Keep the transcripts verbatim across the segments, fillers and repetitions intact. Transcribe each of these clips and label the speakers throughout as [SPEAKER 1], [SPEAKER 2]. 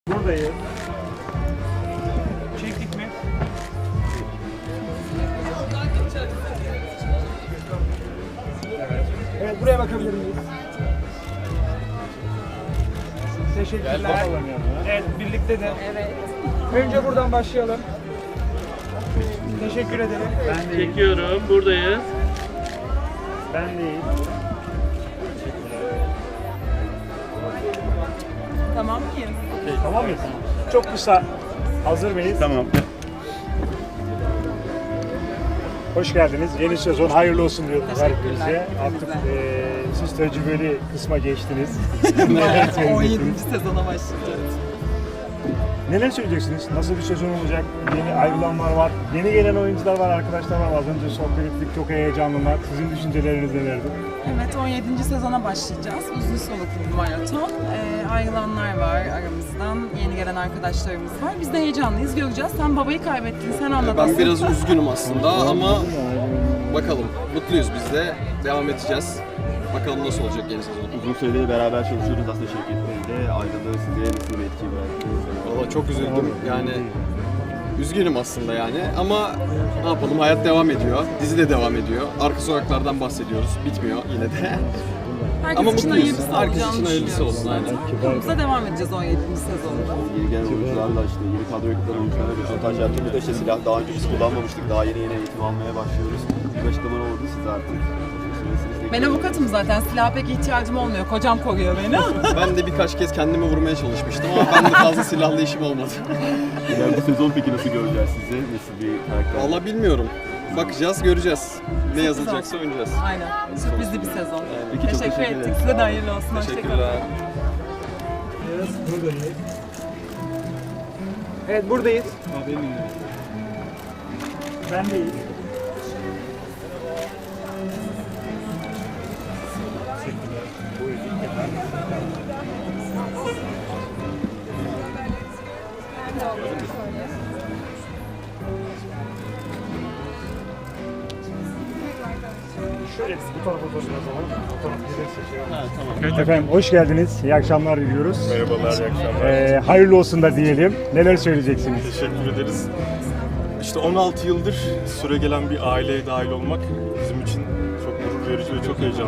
[SPEAKER 1] Buradayız. Çektik mi? Evet. Evet, buraya bakabilir miyiz? Teşekkürler. Evet, birlikte de. Evet. Önce buradan başlayalım. Teşekkür ederim.
[SPEAKER 2] Ben de çekiyorum. Buradayız.
[SPEAKER 1] Ben değil.
[SPEAKER 3] Tamam mıyız?
[SPEAKER 1] Tamam mıyız? Çok kısa. Hazır mıyız?
[SPEAKER 2] Tamam.
[SPEAKER 1] Hoş geldiniz. Yeni sezon hayırlı olsun diyoruz her
[SPEAKER 3] Teşekkürler.
[SPEAKER 1] birinize. Artık eee siz tecrübeli kısma geçtiniz.
[SPEAKER 3] on
[SPEAKER 1] söyleyeceksiniz?
[SPEAKER 3] yedinci sezona başlayacağız.
[SPEAKER 1] Neler söyleyeceksiniz? Nasıl bir sezon olacak? Yeni ayrılanlar var. Yeni gelen oyuncular var, arkadaşlar var. Az önce sohbet ettik. Çok heyecanlılar. Sizin düşünceleriniz nelerdi?
[SPEAKER 3] Evet, on yedinci sezona başlayacağız. Uzun soluklu bir maraton. Ee, ayrılanlar var aramızdan. Yeni gelen arkadaşlarımız var. Biz de heyecanlıyız. Göreceğiz. Sen babayı kaybettin. Sen anlat.
[SPEAKER 4] Ben biraz üzgünüm aslında ama bakalım. Mutluyuz biz de. Devam edeceğiz. Bakalım nasıl olacak yeni sezon.
[SPEAKER 5] Uzun süredir beraber çalışıyoruz aslında Şevket Bey'le. Ayrılığı size nasıl bir etki bıraktı?
[SPEAKER 4] Valla çok üzüldüm. Yani üzgünüm aslında yani ama ne yapalım, hayat devam ediyor. Dizi de devam ediyor. Arka sokaklardan bahsediyoruz. Bitmiyor yine de.
[SPEAKER 3] Herkes
[SPEAKER 4] Ama
[SPEAKER 3] için
[SPEAKER 4] mutluyuz.
[SPEAKER 3] hayırlısı
[SPEAKER 4] Herkes
[SPEAKER 3] olacağını
[SPEAKER 4] için hayırlısı
[SPEAKER 3] düşünüyoruz.
[SPEAKER 4] olsun, aynen.
[SPEAKER 3] Yolumuza devam edeceğiz on yedinci sezonda.
[SPEAKER 5] Yeni gelen oyuncularla işte yeni kadro ekipten oyuncularla röportaj yaptığımızda işte silah daha önce biz kullanmamıştık. Daha yeni yeni eğitim almaya başlıyoruz. Bir açıklama oldu siz artık.
[SPEAKER 3] Ben avukatım zaten. Silaha pek ihtiyacım olmuyor. Kocam koruyor beni.
[SPEAKER 4] Ben de birkaç kez kendimi vurmaya çalışmıştım ama ben de fazla silahlı işim olmadı.
[SPEAKER 5] Yani bu sezon peki nasıl göreceğiz sizi? Nasıl bir karakter?
[SPEAKER 4] Valla bilmiyorum. Bakacağız, göreceğiz. Ne yazılacaksa oynayacağız.
[SPEAKER 3] Aynen. Sürprizli bir sezon.
[SPEAKER 5] Peki, çok
[SPEAKER 3] Teşekkür
[SPEAKER 5] teşekkür
[SPEAKER 3] ettik.
[SPEAKER 5] ederim.
[SPEAKER 3] Size de hayırlı olsun. Hoşçakalın.
[SPEAKER 4] Teşekkürler.
[SPEAKER 1] Buradayız. Evet, buradayız. Ben değil. Şöyle bu tarafa doğru yazalım. Bu taraf bize seçelim. Efendim hoş geldiniz. İyi akşamlar diliyoruz.
[SPEAKER 6] Merhabalar, iyi akşamlar.
[SPEAKER 1] Ee, hayırlı olsun da diyelim. Neler söyleyeceksiniz?
[SPEAKER 6] Teşekkür ederiz. İşte on altı yıldır süregelen bir aileye dahil olmak bizim için çok gurur verici ve çok heyecanlı.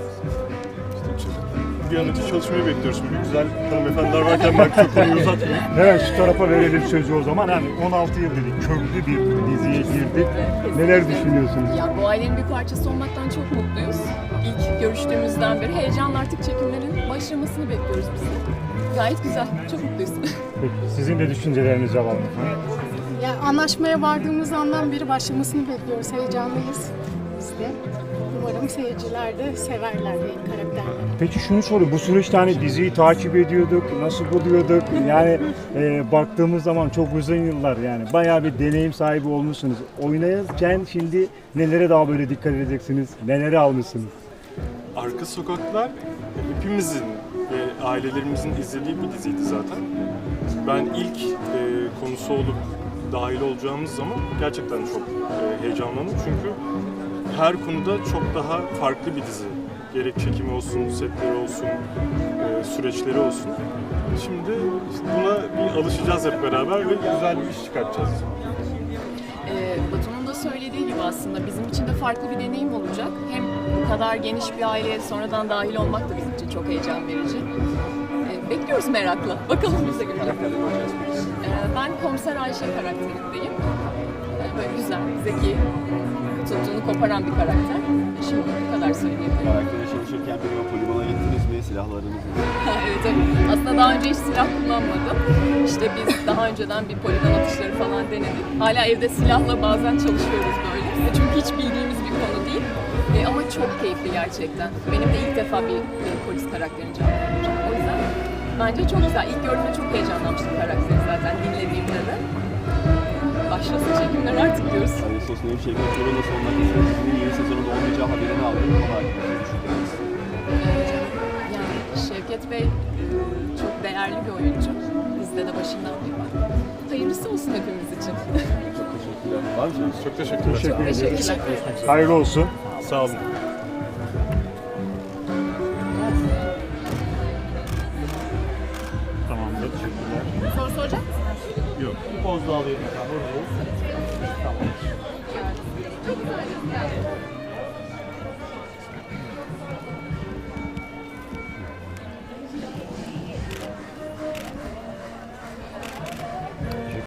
[SPEAKER 6] İşte çok- bir an önce çalışmayı bekliyoruz. Şimdi güzel hanımefendiler varken ben çok konuyu uzatmayayım.
[SPEAKER 1] Evet, şu tarafa verelim sözü o zaman. Yani on altı yıl dedik, köklü bir diziye girdik. Neler düşünüyorsunuz?
[SPEAKER 7] Ya bu ailenin bir parçası olmaktan çok mutluyuz. İlk görüştüğümüzden beri heyecanla artık çekimlerin başlamasını bekliyoruz biz de. Gayet güzel, çok mutluyuz.
[SPEAKER 1] Peki, sizin de düşüncelerinizi alalım.
[SPEAKER 8] Ya anlaşmaya vardığımız andan beri başlamasını bekliyoruz. Heyecanlıyız biz de. Umarım seyirciler de severler benim karakterleri.
[SPEAKER 1] Peki şunu sorayım, bu süreçte hani diziyi takip ediyorduk, nasıl buluyorduk? Yani e, baktığımız zaman çok uzun yıllar yani bayağı bir deneyim sahibi olmuşsunuz. Oynarken şimdi nelere daha böyle dikkat edeceksiniz, neleri almışsınız?
[SPEAKER 6] Arka Sokaklar hepimizin ve ailelerimizin izlediği bir diziydi zaten. Ben ilk e, konusu olup dahil olacağımız zaman gerçekten çok e, heyecanlandım çünkü her konuda çok daha farklı bir dizi. Gerek çekimi olsun, setleri olsun, e, süreçleri olsun. Şimdi işte buna bir alışacağız hep beraber ve güzel bir iş çıkartacağız.
[SPEAKER 7] Ee, Batu'nun da söylediği gibi aslında bizim için de farklı bir deneyim olacak. Hem bu kadar geniş bir aileye sonradan dahil olmak da bizim için çok heyecan verici. Ee, bekliyoruz merakla. Bakalım biz de göreceğiz. Ee, ben Komiser Ayşe karakterindeyim. Ee, böyle güzel, zeki, tuttuğunu koparan bir karakter. Şimdi bu kadar söyleyebilirim.
[SPEAKER 5] Karaktere çalışırken bir polimana gittiniz mi? Silahlarınızı
[SPEAKER 7] Evet, evet. Aslında daha önce hiç silah kullanmadım. İşte biz daha önceden bir poligon atışları falan denedik. Hala evde silahla bazen çalışıyoruz böyle. Çünkü hiç bildiğimiz bir konu değil. E, ama çok keyifli gerçekten. Benim de ilk defa bir, bir polis karakterini canlandıracağım. O yüzden bence çok güzel. İlk gördüğümde çok heyecanlanmıştım karakteri zaten dinlediğimde de. Başlasın çekimler artık diyoruz.
[SPEAKER 5] Hani sosyal Şevket Çoruh'la son dakikasında dizinin yeni sezonunda olmayacağı haberini aldım. Ama hakkında ne düşünüyorsunuz?
[SPEAKER 7] Yani Şevket Bey e, çok değerli bir oyuncu. Bizde de başından beri var. Hayırlısı olsun hepimiz için.
[SPEAKER 5] Çok teşekkürler. Var mı?
[SPEAKER 6] Çok teşekkürler.
[SPEAKER 1] Teşekkür ederiz.
[SPEAKER 7] Teşekkürler.
[SPEAKER 1] Hayırlı olsun.
[SPEAKER 6] Sağ olun.
[SPEAKER 1] Tamamdır. Teşekkürler.
[SPEAKER 9] soracak mısınız?
[SPEAKER 10] Yok. Bir poz daha alayım efendim. Buradayız.